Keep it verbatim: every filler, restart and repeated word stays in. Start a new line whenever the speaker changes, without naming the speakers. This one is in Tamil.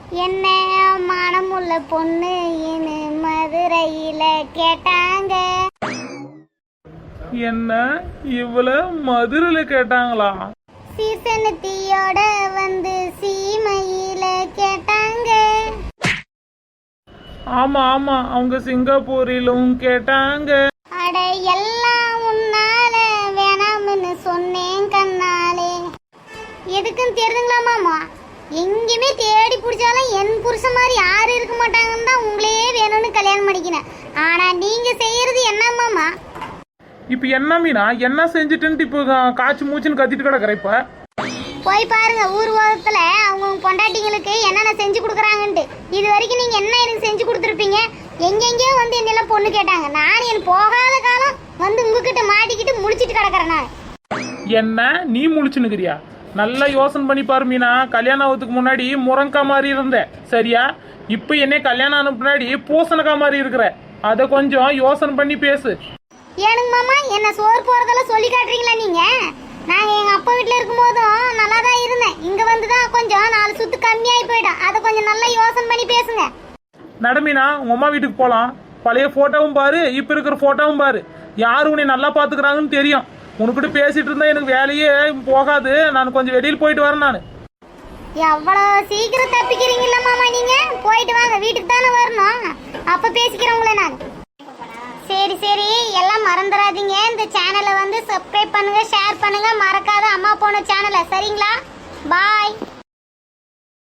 என்ன மனமுள்ள பொண்ணு இனு மதுரையில கேட்டாங்க.
என்ன இவள மதுரையில கேட்டாங்களா?
சீசனத்தியோட வந்து சீமையில கேட்டாங்க.
ஆமா ஆமா அவங்க சிங்கப்பூரிலும் கேட்டாங்க.
அட எல்லாம் உன்னால வேணாம்னு சொன்னேன் கண்ணாலே. எதுக்குன்னு தெரியுங்களா மாமா? எங்கேயுமே தேடி பிடிச்சாலும் என் புருஷன் மாதிரி யாரும் இருக்க மாட்டாங்கன்னு தான் உங்களே வேணும்னு கல்யாணம் பண்ணிக்கினேன். ஆனா நீங்க செய்யறது என்ன மாமா?
இப்ப என்ன மீனா என்ன செஞ்சுட்டு இப்போ காய்ச்சி மூச்சுன்னு கத்திட்டு கிடக்குற? இப்ப
போய் பாருங்க ஊர் உலகத்துல அவங்க பொண்டாட்டிங்களுக்கு என்னென்ன செஞ்சு கொடுக்குறாங்கன்ட்டு. இது வரைக்கும் நீங்க என்ன எனக்கு செஞ்சு கொடுத்துருப்பீங்க? எங்கெங்கயோ வந்து என்னெல்லாம் பொண்ணு கேட்டாங்க. நான் என் போகாத காலம் வந்து உங்ககிட்ட மாட்டிக்கிட்டு முடிச்சிட்டு கிடக்குறேன். நான்
என்ன நீ முழிச்சுன்னுக்கிறியா? நல்லா யோசனை பண்ணி பாரு மீனா. கல்யாணம் ஆகிறதுக்கு முன்னாடி முருங்கா மாதிரி இருந்த சரியா? இப்ப என்ன கல்யாணம் ஆன முன்னாடி பூசணக்கா மாதிரி இருக்கிற. அத கொஞ்சம் யோசனை பண்ணி பேசு.
ஏனுங்க மாமா என்ன சோறு போறதெல்லாம் சொல்லி காட்டுறீங்களா நீங்க? நாங்க எங்க அப்பா வீட்டுல இருக்கும் போதும் நல்லா தான் இருந்தேன். இங்க வந்துதான் கொஞ்சம் நாலு சுத்து கம்மியாயி போயிடும். அதை கொஞ்சம் நல்லா யோசனை பண்ணி பேசுங்க.
நடமீனா உங்க அம்மா வீட்டுக்கு போலாம். பழைய போட்டோவும் பாரு, இப்ப இருக்கிற போட்டோவும் பாரு. யாரு உன்னை நல்லா பாத்துக்கிறாங்கன்னு தெரியும். உனக்கிட்ட பேசிட்டு இருந்தா எனக்கு வேலையே போகாது. நான் கொஞ்சம் வெளியில் போயிட்டு வரேன். நான்
எவ்வளவு சீக்கிரம் தப்பிக்கிறீங்கல்ல மாமா நீங்க? போயிட்டு வாங்க, வீட்டுக்கு தானே வரணும். அப்ப பேசிக்கிறவங்களே நான். சரி சரி எல்லாம் மறந்துடாதீங்க. இந்த சேனலை வந்து சப்ஸ்கிரைப் பண்ணுங்க, ஷேர் பண்ணுங்க. மறக்காத அம்மா போன சேனலை. சரிங்களா? பாய்.